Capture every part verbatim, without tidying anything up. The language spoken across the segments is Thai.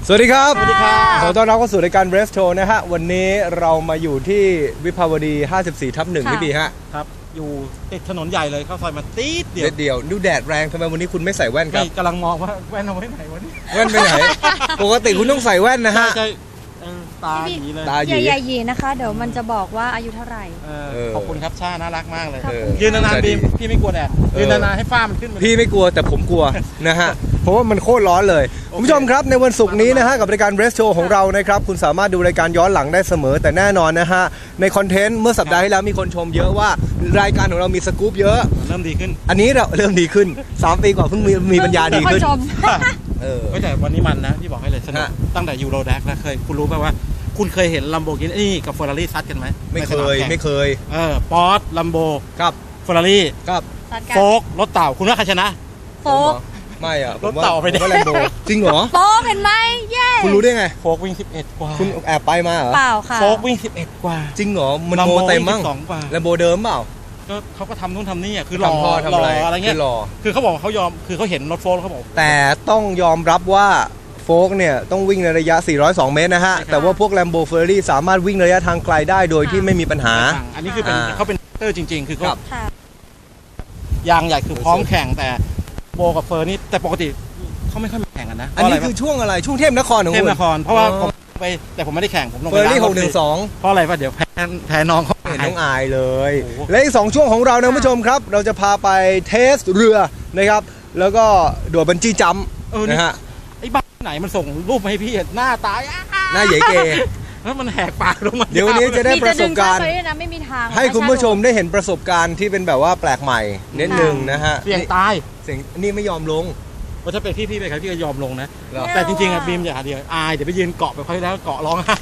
สวัสดีครับสวัสดีครับขอต้อนรับเข้าสู่รายการ Brave Show นะฮะวันนี้เรามาอยู่ที่วิภาวดี ห้าสิบสี่ทับหนึ่งค่ะพี่บีฮะครับอยู่ติดถนนใหญ่เลยเข้าซอยมาตีดเดียวเด็ดเดียวดูแดดแรงทำไมวันนี้คุณไม่ใส่แว่นครับไม่กำลังมองว่าแว่นเอาไว้ไหนวะนี่แว่นไปไหน ปกติคุณต้องใส่แว่นนะฮะใช่เออตาอย่างนี้เลยตาอย่าอย่าหยีนะคะ เดี๋ยวมันจะบอกว่าอายุเท่าไหร่เออเออขอบคุณครับชาน่ารักมากเลยขอบคุณยืนนานๆดีพี่พี่ไม่กลัวแดดเออยืนนานๆให้ฝ้ามันขึ้นมาพี่ไม่กลัวแต่ผมกลัว นะฮะ เพราะว่ามันโคตรร้อนเลยโอเคคุณผู้ชมครับในวันศุกร์นี้นะฮะกับรายการ Brave Show ของเรานะครับคุณสามารถดูรายการย้อนหลังได้เสมอแต่แน่นอนนะฮะในคอนเทนต์เมื่อสัปดาห์ที่แล้วมีคนชมเยอะว่ารายการของเรามีสกู๊ปเยอะเริ่มดีขึ้นอันนี้เราเริ่มดีขึ้นสามปีกว่าเพิ่งมีมีปัญญาดีขึ้นคนชมเออไม่แต่วันนี้มันนะพี่บอกให้เลยสนุกฮะตั้งแต่ยูโรแดกแล้วเคยคุณรู้ป่าวว่า คุณเคยเห็นลัมโบกินี่กับเฟอร์รารี่ซัดกันไหมไม่เคในสนาย แข่งไม่เคยเออปอร์ตลัมโบครับเฟอร์รารี่ครับตัดกันโฟกรถเต่าคุณว่าใครชนะโฟกไม่อ่ะผมรถว่าเต่าไปดิผมว่าแลมโบจริงเหรอโฟกเห็นไหมเย้คุณรู้ได้ไงโฟกวิ่งสิบเอ็ดกว่าคุณแอบไปมาเหรอเปล่าค่ะโฟกวิ่งสิบเอ็ดกว่าจริงเหรอมันลัโมโบเต็มวิ่งมั้งสิบสองกว่าแลมโบเดิมเปล่าก็เขาก็ทำนู่นทำนี่อ่ะคือรอทำท่อทำอะไรรอะไรเงี้ยคือรอคือเขาบอกว่าเขายอมคือเขาเห็นรถโฟล์แล้วเขาบอกแต่ต้องยอมรับว่าโฟกเนี่ยต้องวิ่งในระยะ สี่ร้อยสอง เมตรนะฮะใช่ครับแต่ว่าพวก Lambo Ferrari สามารถวิ่งระยะทางไกลได้โดยที่ไม่มีปัญหาอันนี้คือเป็นอ่าเขาเป็นเตอร์จริง ๆ คือเขาครับค่ะยางใหญ่คือพร้อมแข่งแต่โบกับเฟอร์นี่แต่ปกติเขาไม่ค่อยมาแข่งกันนะอันนี้คือช่วงอะไรช่วงเทพนครของเทพคุณนครเพราะว่าอ๋อผมไปแต่ผมไม่ได้แข่งผมลงเฟไปอร์รี่ล้างหรกถหนึ่งสองเพราะอะไรป่ะเดี๋ยวแพ้แพ้น้องเขาเห็นน้องอายเลยโอ้โหและอีกสองช่วงของเรานะคุณผู้ชมครับ เราจะพาไปเทสเรือนะครับ แล้วก็โดดบันจี้จัมป์เออนี่นะฮะไอ้บ้าไหนมันส่งรูปมาให้พี่หน้าตายอ่ะหน้าเหยเกแล้วมันแหกปากลงมาเดี๋ยววันนี้จะได้มีประสดึบงการณ์เข้ไปด้วยนะไม่มีทางให้คุณผู้ชมได้เห็นประสบการณ์ที่เป็นแบบว่าแปลกใหม่นิดนึงนะฮะเสี่ยงตายเสียงนี่ไม่ยอมลงเพราะถ้าเป็นพี่พี่ไปใครพี่ก็ยอมลงนะเหรอแต่จริงๆอะบีมอย่าเดียวอายเดี๋ยวไปยืนเกาะไปค่อยแล้วเกาะร้องไห้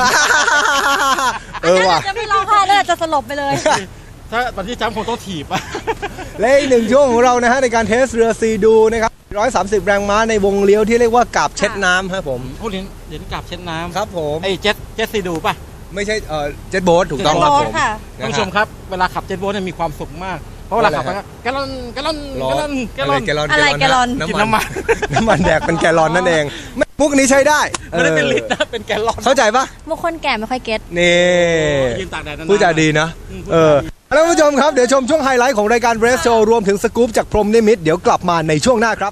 เออว่ะจะไม่ร้องไห้แล้วจะสลบไปเลยถ้าตอนที่จำคงต้องถีบอะและอีกหนึ่งช่วงของเรานะฮะในการเทสเรือซีดูนะครับหนึ่งร้อยสามสิบแรงม้าในวงเลี้ยวที่เรียกว่ากาบเช็ดน้ำครับผมพวกเหรียญเหรียญกาบเช็ดน้ำครับผมไอ้เจ็ตเจ็ตซีดูป่ะไม่ใช่เอ่อเจ็ตโบ๊ทถูกต้องครับผมเจ็ตโบ๊ทค่ะท่านผู้ชมครับเวลาขับเจ็ตโบ๊ทเนี่ยมีความสุขมาก เพราะเวลาขับไปก็แกลลอนแกลลอนร้แกอลลอนแกลลอะอไรนแกลลอนอะไรแกลลอนกินน้ำมันน้ำมันแดกเป็นแกลลอนนั่นเองไม่มุกนี้ใช้ได้ไม่ได้เป็นออลิตรนะเป็นแกลลอนเข้าใจปะบางคนแก่ไม่ค่อยเก็ตนี่ยืนตากแดดนานๆผู้จาดีนะอืมเออแล้วคุณผู้ชมครับเดี๋ยวชมช่วงไฮไลท์ของรายการ Brave Show รวมถึงสกู๊ปจากพรหมนิมิตเดี๋ยวกลับมาในช่วงหน้าครับ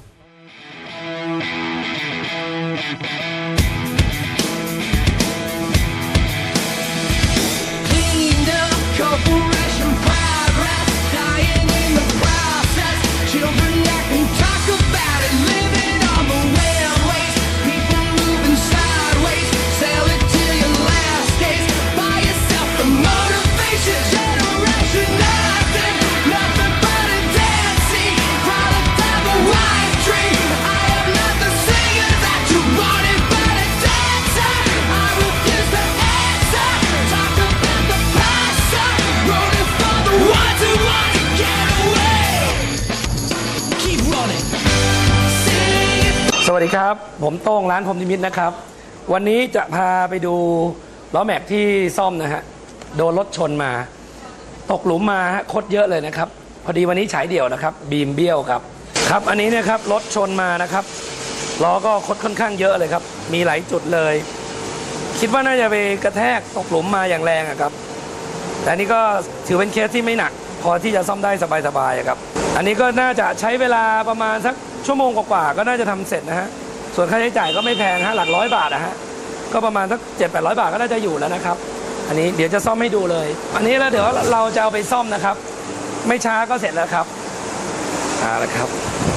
Cleaned up corporation progress, dying in the process. Children that can talk about it, living on the railways. People moving sideways, sell it till your last days. Buy yourself the motivation generation. Nothing, nothing but a dancing product of a white dream. I am not the singer that you wanted, but a dancer. I refuse to answer. Talk about the past, rolling for the ones who want to get away. Keep running. Sing it. สวัสดีครับ ผมโต้งร้านพรหมนิมิตนะครับ วันนี้จะพาไปดูล้อแม็กที่ซ่อมนะฮะโดนรถชนมา ตกหลุมมาฮะคดเยอะเลยนะครับ พอดีวันนี้ฉายเดี่ยวนะครับ บีมเบี้ยวครับครับอันนี้เนะครับรถชนมานะครับล้อก็คดค่อนข้างเยอะเลยครับ มีหลายจุดเลย คิดว่าน่าจะไปกระแทกตกหลุมมาอย่างแรงอะครับ แต่อันนี้ก็ถือเป็นเคสที่ไม่หนัก พอที่จะซ่อมได้สบายๆอะครับ อันนี้ก็น่าจะใช้เวลาประมาณสักชั่วโมงกว่าๆก็น่าจะทำเสร็จนะฮะส่วนค่าใช้จ่ายก็ไม่แพงฮะหลักร้อยบาทนะฮะก็ประมาณสักเจ็ดแปดร้อยบาทก็น่าจะอยู่แล้วนะครับ อันนี้เดี๋ยวจะซ่อมให้ดูเลย อันนี้แล้วเดี๋ยวเราจะเอาไปซ่อมนะครับ ไม่ช้าก็เสร็จแล้วครับเอาละครับ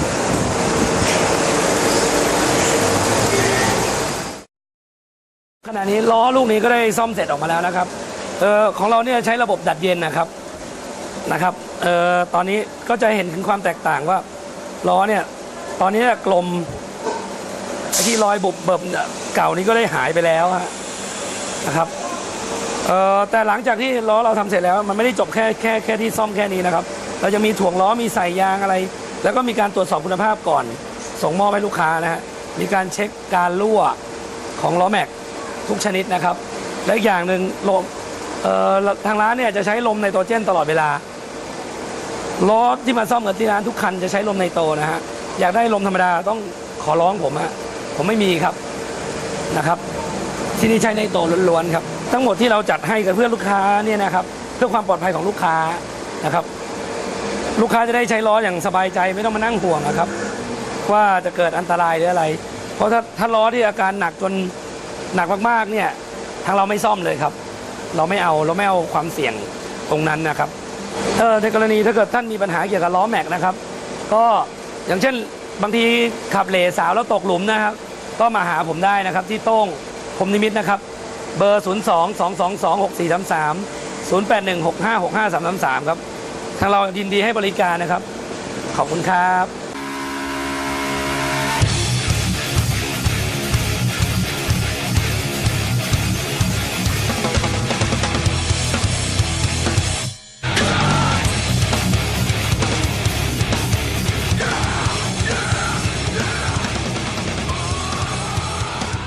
ขณะนี้ล้อลูกนี้ก็ได้ซ่อมเสร็จออกมาแล้วนะครับเออของเราเนี่ยใช้ระบบดัดเย็นนะครับนะครับเออตอนนี้ก็จะเห็นถึงความแตกต่างว่าล้อเนี่ยตอนนี้กลมไอ้ที่รอยบุบเบิบเก่านี้ก็ได้หายไปแล้วฮะนะครับเออแต่หลังจากที่ล้อเราทำเสร็จแล้วมันไม่ได้จบแค่แค่แค่ที่ซ่อมแค่นี้นะครับเราจะมีถ่วงล้อมีใส่ยางอะไร แล้วก็มีการตรวจสอบคุณภาพก่อนส่งมอบให้ลูกค้านะฮะมีการเช็คการรั่วของล้อแม็กทุกชนิดนะครับและอีกอย่างหนึ่งลมเอ่อทางร้านเนี่ยจะใช้ลมไนโตรเจนตลอดเวลาล้อที่มาซ่อมกับที่ร้านทุกคันจะใช้ลมไนโตรนะฮะอยากได้ลมธรรมดาต้องขอร้องผมฮะผมไม่มีครับนะครับที่นี่ใช้ในโตล้วนๆครับทั้งหมดที่เราจัดให้กับเพื่อนลูกค้าเนี่ยนะครับเพื่อความปลอดภัยของลูกค้านะครับลูกค้าจะได้ใช้ล้ออย่างสบายใจไม่ต้องมานั่งห่วงนะครับว่าจะเกิดอันตรายหรืออะไรเพราะถ้าถ้าล้อที่อาการหนักจนหนักมากๆเนี่ยทางเราไม่ซ่อมเลยครับเราไม่เอาเราไม่เอาความเสี่ยงตรงนั้นนะครับเออในกรณีถ้าเกิดท่านมีปัญหาเกี่ยวกับล้อแม็กนะครับก็อย่างเช่นบางทีขับเหล่สาวแล้วตกหลุมนะครับก็มาหาผมได้นะครับที่โต้งพรหมนิมิตนะครับเบอร์ ศูนย์ สอง สอง สอง สอง หก สี่ สาม สาม ศูนย์ แปด หนึ่ง หก ห้า หก ห้า สาม สาม สามครับทางเรายินดีให้บริการนะครับขอบคุณครับ